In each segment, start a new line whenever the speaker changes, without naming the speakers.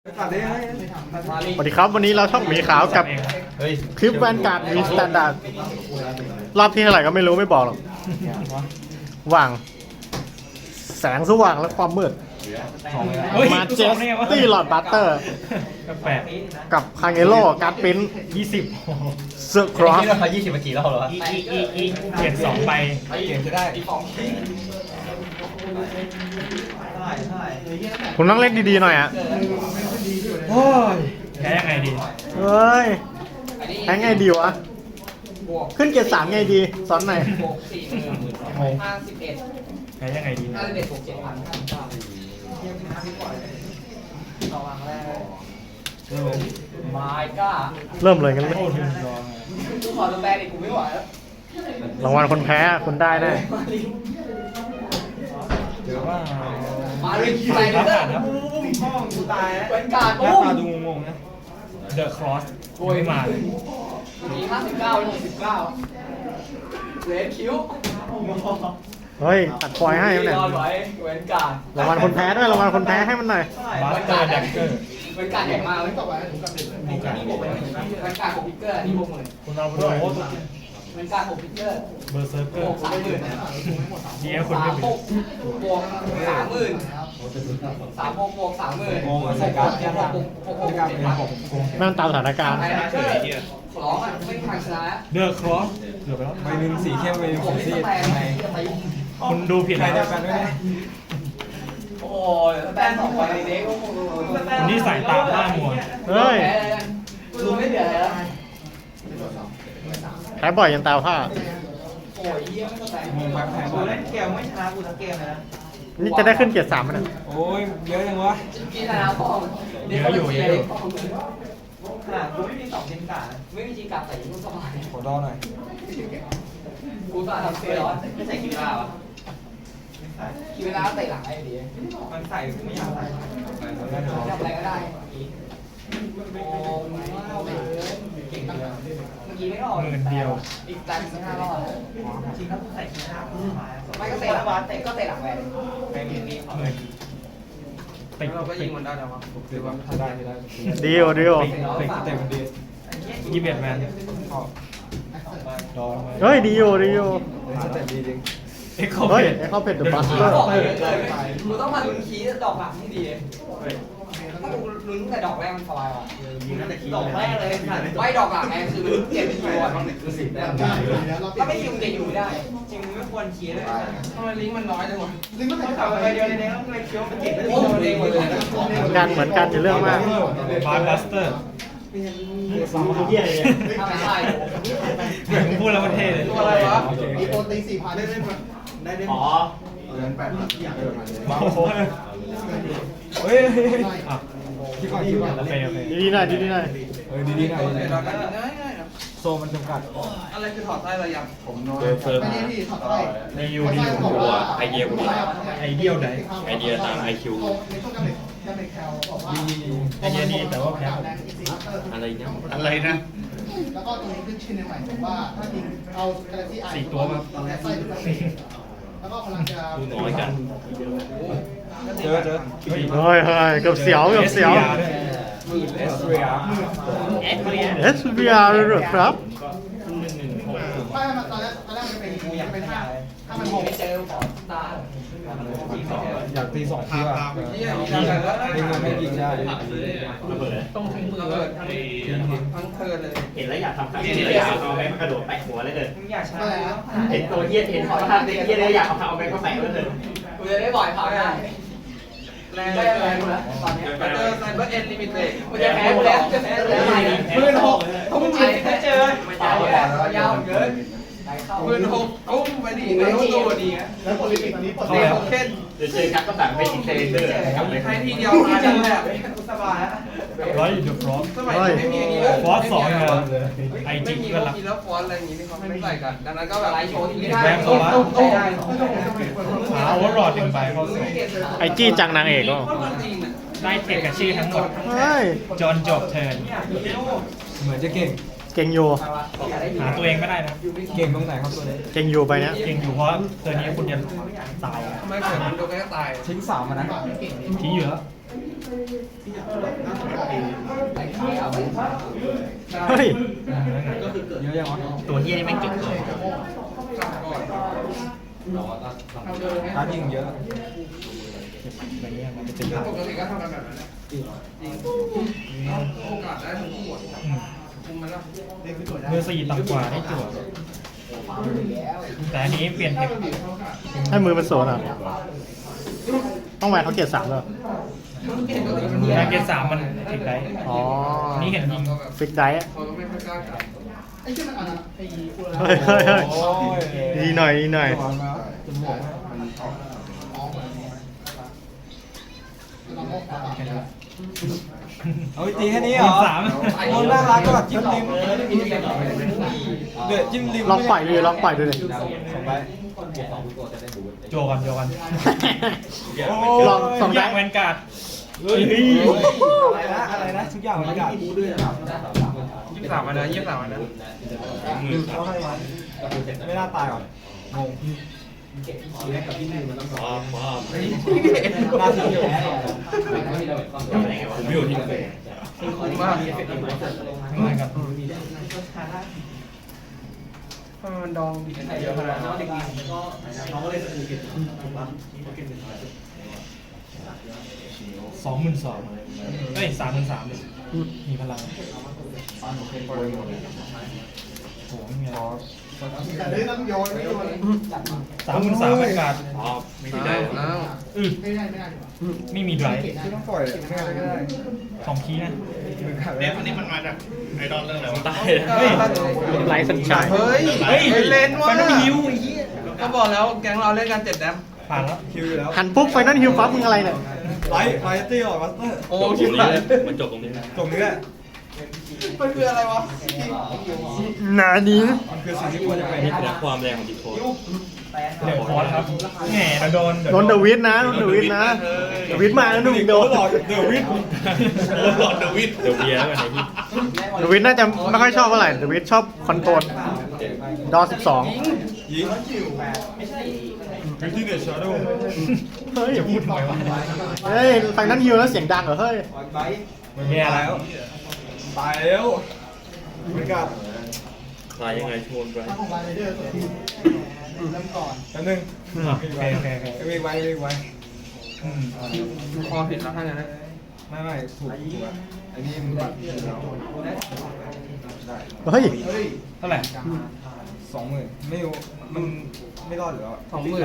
สวัสดีครับวันนี้เราช่องหมีขาวกับคลิปแวนการ์ดวีสแตนดาร์ดรอบที่เท่าไหร่ก็ไม่รู้ไม่บอกหรอกว่างแสงสว่างและความมืดมาเจสตี้หลอดบัตเตอร์กับคางเอโร่การ์ดปิ้น20เซอร์ครอส
นี่เรา20มากี่รอบแล้ววะ
เก็บ2ใบ
เก็บจะได้
คุณต้องเล่นดีๆหน่อยอ่ะ
โอ้ยแพ้ยังไงดี
เฮ้ยแพ้ไงดีวะขึ้นเกียร์3ไงดีสอนหน่อย
แพ้ยังไงดี
เริ่มเลยกันเลย
ขอตัวแบนอีกกูไม่ไหวแล้ว
รางวัลคนแพ้คุณได้แน่
เจอว่า
มาเลยใส่เลยนะห้องกูตายแล้วเป็นการหน้า
ตาดูงงๆนะ
The Cross โวยมาเลย
มี59 69เลนคิ้ว
เฮ้ยตัดพอยให้เนี่ยรางวัลคนแพ้ด้วยรางวัลคนแพ้ให้มันหน่อย
บัสเตอร์แดกเกอร์
เป็นการแข่งมาเลยต่อไปเป็นการ6พิกเกอร์นี่บวกหมดเลย
คุณเอาไปด้วย
เป็นการ6พิกเกอร์
เบอร์เซอร์เกอร์
30,000
เดี๋ยวคุณไม่เป็น
บวก 30,000 3บวก 30,000
โกงใส่การ์ดเนี่ย
นั่งตามสถานการณ์
ขอร้องอ่ะไม่มีทางชนะ
The Cross เกือบไปแล้ว
ใบหนึ่งสีเข้มใบหนึ่งสีซีด
คุณดูผิดแล้ว
กันด้วยนะ
โอ้ยแต้มต่อไปในเด็ก
คุณนี่สายตาล่ามัว
เฮ้ย
ดูไม่เดือดแล้ว
แพ้บ่อยยันตาผ้า
โอ้ยเยี่ยมแตก
มึงพักแพ้บอลเล่นเกมไม่ชนะกูทั้งเกมเลยนะ
นี่จะได้ขึ้นเกียร์3มั้ยนะ
โอ้ยเยอะจังวะ
กินแล้วพ่อ
เยอะอยู่
กูไม่มี2ทีมกาไม่มีทีมกาแต่ยุ่งสบาย
ขอดอหน่อย
กูตาทำเซร้อนไม่ใส่คิวลาวะคิวลาใส่หลังไอ้ดี
มันใส่ไม่อยากใส่
ทำอะไรก็ได้โอ้เก่งจังเมื่อกี้ไม่รอดอีกแต่ไม่น่ารอดจริงแล้วใส่คิวลาไม่ก็เตะหลังก็เตะหลังแหวนไอ้มี
ติด
เราก็ยิงมันได้แล้ววะหรือว่าถ้าได้ไม่ได้
ดีโอดีโอ
ติดเต็มดี
21แมน
ดอ
เฮ้ยดีโอดีโอ
สเต็ปดีจริง
เอ็กโค
เฮ้ย
เพด
ไอ้เข้าเพชรเดอะบัสเตอร์
มึงต้องมาลุ้นคีย์ดอกหลังที่ดีถ้ามึงลุ้นแต่ดอกแรกมันสบายว่ะดอกแรกเลยไม่ดอกหลังไงคือมันเก็บคิวอ่ะถ้าไม่คิวจะอยู่ไม่ได้จริงไม่ควรคีย์เลยทำไมลิงก์มันน้อยจังวะลิงก์มันต่ำไปเดียวในนี้เลยคิวมันเก็บได้เดียวเองหมดเลย
เหมือนกันจะเรื่องมาก
บัสเตอร์
ทำไม่ได้
เหมือนพูดแล้วมันเท่เลย
อะไรวะ
มีโปรตีน4,000ได้
อ๋อ
เดือน8,000ที่อยากเดินมาเลย
โอ้โห
เฮ้ยคิดก่อน
ดีหน่อยดีหน่อย
ดีหน่อยโซมันจำกัด
อะไรคือถอดไส้ระยำ
ผมนอนไม่ได้ที่ถอดไส้
ในยูดีอยู่
ตัวไอเดียกู
ไอเดียไหน
ไอเดียตาม IQ
ในช่วงการเด็กแคลบอกว่า
ไอเดียดีแต่ว่าแพ้
อะไรเนี่ย
อะไรนะ
แล้วก็ตรงนี้ขึ้นชื่อในใหม่ผมว่าถ้าจริงเอากาแล็กซี่ไอ
4ตัวมา
ไส้แล้วก็พลังจะ
พูดน้อยกัน
เจอ
เฮ้ยเกือบเสียวเกือบเสียว
เอสเรีย
SVR เลยเหรอครับ
ไม่ตอนแรกมันเป็นถ้ามัน
ไม่เจอของตา
อยากตี2ทีว่ะยิงมันไม่ยิงได้
ต้องถึงมือทั้งเทิร์นเลย
เห็นแล้วอยากทำเห็นแล้วอยากเอาแบงค์มากระโดดแปะหัวเลยเลย
มึงอยากใช้
เห็นตัวเย็ดเห็นขอทำเย็ดเลยอยากเอาแบงค์มาแปะเลย
กูจะได้บ่อยเขาได้แรงแล้วตอนนี้ไซเบอร์เอ็นลิมิเต็ดมันจะแพ้แล้วจะแพ้แล้ว16,000ทุ่มไม่เจอยาวเกิน16,000ทุ่มไปดิในตัวดีนะ
แล้วโปรลิมิกตอนนี้ปลด
เดี๋ยวเช่น
เดี๋ยวเจอครับก็สั่งเป็นอินเทอร์เน็ตกลับเลย
ใช้ทีเดียวมาจังเลยสบาย
ร้อยอยู่ฟรอส
สมัยไม่มีอย่างนี้เลย
ฟอส2ไอจิกก็รับ
ไม่มีแล้วฟอนอะไรอย่างนี้เขาไม่ใส่กันดังนั้นก็แบบไลฟ์โชว์ที่ไม่ได้
แบงค์โซล่าโอเวอร์รอด1ใบเข้าสู่
ไอจี้จังนางเอกก็
ได้เทคกับชื่อทั้งหมดจนจบเทิร์น
เหมือนจะเก่ง
เก่งอยู่
หาตัวเองไม่ได้นะ
เก่งตรงไหนครับตัวนี้
เก่งอยู่ไปเนี้ย
เก่งอยู่เพราะเทิร์นนี้คุณจะตาย
ทำไมเกิดมันโดนแค่ตาย
ทิ้ง3มานะ
ทิ้งอยู่แล้ว
เฮ้ย
เยอะยังวะ
ตัวเฮียนี่แม่งเก่งเลย
ร้านยิงเยอะ
ปกติก็ทำกันแบบนั้นโอกาสได้ทั้งคู่คุมมันแล้ว
มือ4ต่ำกว่าได้จั่วแต่อันนี้เปลี่ยนเทค
ให้มือมันโซนอ่ะ ต้องแหวนเขาเกียรติ3เลย
การเกณฑ์3มันเทคได้
อ๋อ
นี่เห็นยิง
ฟิกไดท์
เขาไม่ค่อยกล้าจับ
ไอ้ที่มันอ่านไอ้กู
เฮ้ยเฮ้ยเฮ้ย
โอ้ย
ดีหน่อยดีหน่อย
ตัวมาจมูก เอาตีแค่นี้เหรอ โอ้น่ารักก็แบบจิ้มริมเดือดจิ้มริม
ลองปล่อยดูดิลองปล่อยดูดิ
สองใบ
โจกันโจกัน
ลองสอง
อ
ได้
ย่างแวนการ์ด
อะไรนะทุกอย่างมันกัด
23วันนะ23วันนะ
เขาให้มันไม่น่าตายหรอกงงน่าทิ้งแพ้
ผมอยู่ที่
มาก
เหมือนกัน
มันดองบิดเยอะขนาดนั้น
22,000เอ้ย33,000เลยมีพลังโหไม่มีอะไร
แต่ได้ต้องโยนไม่โยน
33,000แวนการ์ด
ไม่ได้
ไม่ได้ดีกว่า
ไม่มีไดรฟ์
ที่ต้องปล่อยไม่ได้ก็ได้
2 คีย์นะ
เนี่ย
อันนี้มันมาจากไอดอลเรื่องอะไรวะตาย
เฮ้ย
ไลท์สัญชาติ
เฮ้ย
เฮ้ย
เล่นว่ะ
ไฟนอลฮิวไอ้เหี้ย
ก็บอกแล้วแก๊งเราเล่นกัน7แดม
ผ่านแล้ว
คิวอยู่แล้ว
หันปุ๊บไฟนอลฮิลปั๊บมึงอะไรเนี่ย
ไลท์ตี้ออกมาสเตอร์
โอ้ชิบหาย
มันจบตรงนี้
ตรงนี้แหละ
มันคืออะไรวะ
หนานี้
มันคือสิ่งที่ควรจะเป็น
นี่คือความแรงของดิโคด
เดี๋ยวคอร์สครับแหมโดน
โดนเดอะวิทนะโดนเดอะวิทนะเดอะวิทมาแล้วหนุ่มโดน
หลอดเดอะวิท
หลอดเดวิดเดี๋ยวเบียร์แล้วกันไอ้ที่
เดอะวิทน่าจะไม่ค่อยชอบเท่าไหร่เดอะวิทชอบคอนโทรลดอ12
ยิงวิธีเดชชาร์โด
เฮ้ย
จะพูดทำไมวะ
เฮ้ยไฟนอลฮิลแล้วเสียงดังเหรอเฮ้ย
แย่แล้ว
ตายแล้วไม่กัด
ตายยังไงชวนไป
ถ้าของรายเดอร์เริ่มก่อน
อันนึง
โอเคโอเคโอเค
ไม่ไว้ไม่ไว้
คอผิดแล้วท่านนะ
ไม่ถูกอ่ะอันนี้มันบัตร
เฮ้ย
เท่าไหร่
20,000ไม่รู้มันไม่รอดอยู่แล้ว
20,000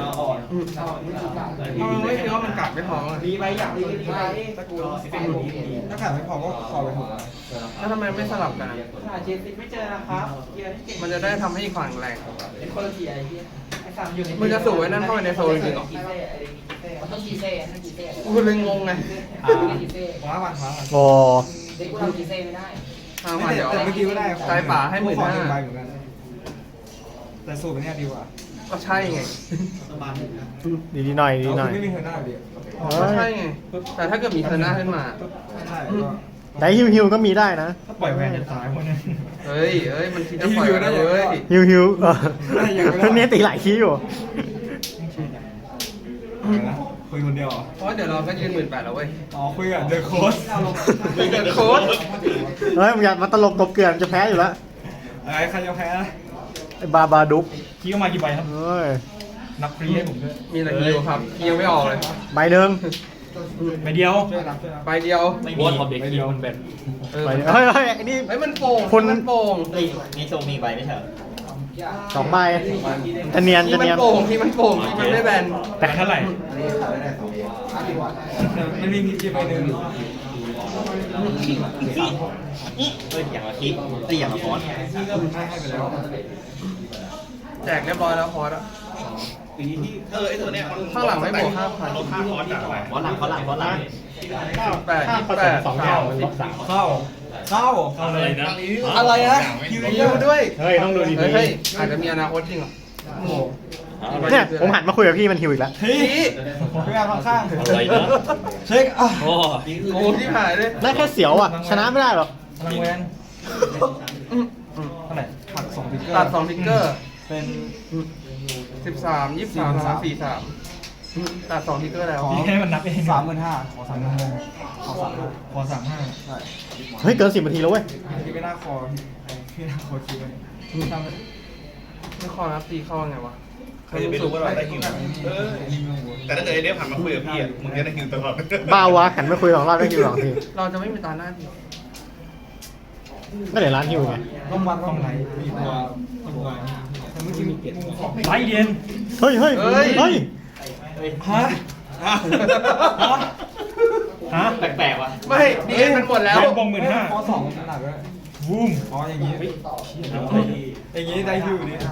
ไม่คิดว่ามันกัดไม่พอรีไปอยากรีไปตะกู
ถ้าขาดไม่พอก็คอไปถูก
แล้วทำไมไม่สลับกันเจสิไม่เจอนะครับมันจะได้ทำให้อีกฝั่งแรงมึงจะสูบไว้นั่นเข้าไปในโซนจริงเหรอกูเลยงงไง
ฟ้าวันฟ้าวัน
โอ้
ทางผ่านเดี๋ยว
แต่เมื่อกี้ก็ได้
ใจป่าให้15,000
ใบเหมือนกันแต่สูตรเป็นเนี่ยดีกว่า
ก็ใช่ไง
ดีหน่อยดีหน่อย
ไม่มีเธอหน้าดี
ก็ใช่ไง แต่ถ้าเกิดมีเทอร์น่าขึ้นมา
ใช่ก็
แต่ฮิลก็มีได้นะ
ถ้าปล่อยแวนจะตายคนนี้
เฮ้ยมันคิดจะปล่อยแล้วเว้ย
ฮิลเนี่ยตีหลายคีย์อยู่
นะคุยคนเดียว
เพราะเดี๋ยวเราก็ยืน18,000แล้วเว้ย
อ๋อคุยกับเดอะโค้ช
มีเกิดโค้ด
เฮ้ยมึงอย่ามาตลกกบเกลื่อนจะแพ้อยู่แล้ว
อะไรใครจะแพ้
ไอ้บาดุก
คีย์เข้ามากี่ใบครับ
เฮ้ย
นับฟรีให้ผมด้วย
มีแต่ฮิวครับยังไม่ออกเลย
ใบหนึ่ง
ใบเดียว
ช่วยรับช่วยรับ
ใบเดียว
ไม่มีท็อปเด็กคิวมันแบน
ใบเดียวเฮ้ยเฮ้ยไอ้นี่
เฮ้ยมันโป่ง
คุณ
มันโป่ง
นี่โซมีใบไม่ใช่เหรอ
2 ใบจะเนียน
ที่
จะ
มัน
เนียน
โป่งที่มันโป่งที่มันไม่แบน
แต่เท่าไหร่
มันมีที่ไปหนึ่ง
เฮ้ยอย่างละคิดอย่างละฟอนต์
ให้ไปแล้ว
แจกเรียบร้อยแล้วคอร์สอะ
ไอตัวเนี้ย
ข้างหลังไม่บวก5,000
ลดค่าคอร์สจากอะไรฟอนต์หลัง
8
ถ้าผสม2อย่างมันลด3
เข้า
อะไรนะ
อะไรนะฮิวด้วย
เฮ้ยต้องดูดี
เฮ้ยอาจจะมีอนาคตจริงเหรอ
ๆเนี่ยผมหันมาคุยกับพี่มันฮิวอีกแล้ว
พี่พยายามข้าง
อะไรนะ
เช็คอ่ะ
โอ้
โอ้ที่หายเลย
ได้แค่เสียวอ่ะ ชนะไม่ได้หรอก
พลังแวนเท่าไหร่
ผัก2 พิกเกอร์
ตัด2พิกเกอร์
เป็น
13 23 43
ตัด2ทิกเกอร์แล้ว
พี่ให้มันนับเอง
35,000ขอ35,000ขอ35,000
ใช่
เฮ้ยเกิน10 นาทีแล้วเว้ย
ที่ไม่น่าคอไม่น่าคอคิดไว้
ไม่คอรับตีเข้าไงวะ
ใครจะไปรู้ว่าเราได้ฮิวแต่ถ้าเกิดไอเดฟหันมาคุยกับพี่อ่ะมึงจะได้ฮิวตลอด
บ้าวะหันไปคุย2 รอบได้คิว2 ที
เราจะไม่มีตาหน้าที
ก็เดี๋ยวร้านฮิวไง
ต้องวัดต้องไหนมีตัวแต่เมื่อกี้มีเกียรติ
ไล่เย็น
เฮ้ยเฮ้ยเฮ้ย
ฮะ
ฮะ
แปลกๆว่ะ
ไม่ดีมันหมดแล้ว
แวนบง15,000
คอ2หนักด้วย
วูม
อ๋ออย่างนี้อย่างนี้ได้ฮิวนี่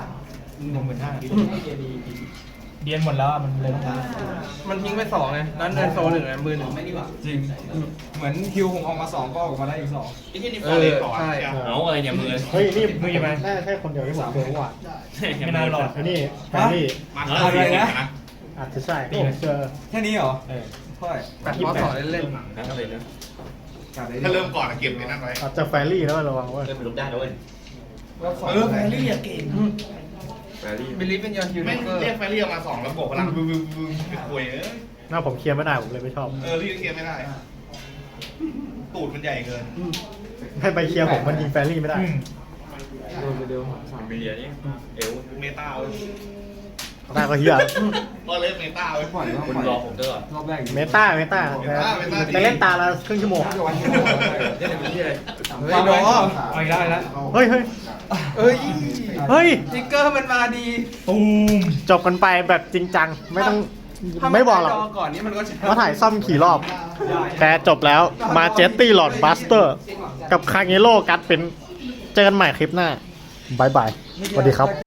เ
15,000
ดียนหมดแล้วอะมันเลยต้องการ
มันทิ้งไป2ไงนั้นเดินโซ1ไงมือ1ไม่ดีกว่า
จริงเหมือนฮิวผมออกมา2ก็ออกมาได้อีก2
ไอ้ที่นี่ฟอร์เรสก่อน
ใช่
เอาอะไรเนี่ยมือ
เฮ้ยนี่
มือยังไง
น่าจะใช่คนเดียวที่ผมเจอเมื่อวาน
ไม่นานหรอก
ไอ้นี่แฟนนี่
มาอะไรนะ
อาจจะใช่ที่ผมเจอ
แค่นี้เหรอ
เออ
เท่าไหร่
แบบมอสเล่น
อะไรนะ
ถ้าเริ่มก่อนเก็บในนั้นไว้
อาจจะแฟรี่แล้วระวังเว้ย
เริ่มเป็นลูกได้แล้วเว้ย
แฟรี่อะเก่ง
ๆบิลลี่เป็นยอนฮิว
ไม่
เกอร์
เรียกไฟเรียกมา2แล้วบวกพลังบึ้มไปคุย
หน้าผมเคลียร์ไม่ได้ผมเลยไม่ชอบ
เรียกเกียร์ไม่ได้ตูดมันใหญ่เกิน
ให้ไปเคลียร์ผมมันยิงแฟรี่ไม่ได้
อืม
มีเดียนี่เอว
เมตาเว้ย
ได้ก็เฮีย
ก็เล่นเมตาเว้ย
คุณรอผมด้วยก่อน
รอบแรก
เมตาแต่เล่นตาละครึ่งชั่วโมง
เล่นเป็นที่อะไร
เฮ้ยดอ
เอาอีกแล้วอีกแล้ว
เฮ้ยเฮ้ย
เฮ้ย
เฮ้ย
ทิกเกอร์มันมาดี
ตูม
จบกันไปแบบจริงจังไม่ต้อง
ถ้า
ไม่บอกหรอก
ดก่อนนี้มันก็จะ
ว่าถ่ายซ่อมขี่รอบ แต่จบแล้วมาเจตตี้หลอดบัสเตอร์ กับคาเงโร่กัดเป็นเจอกันใหม่คลิปหน้าบายบายสวัสดีครับ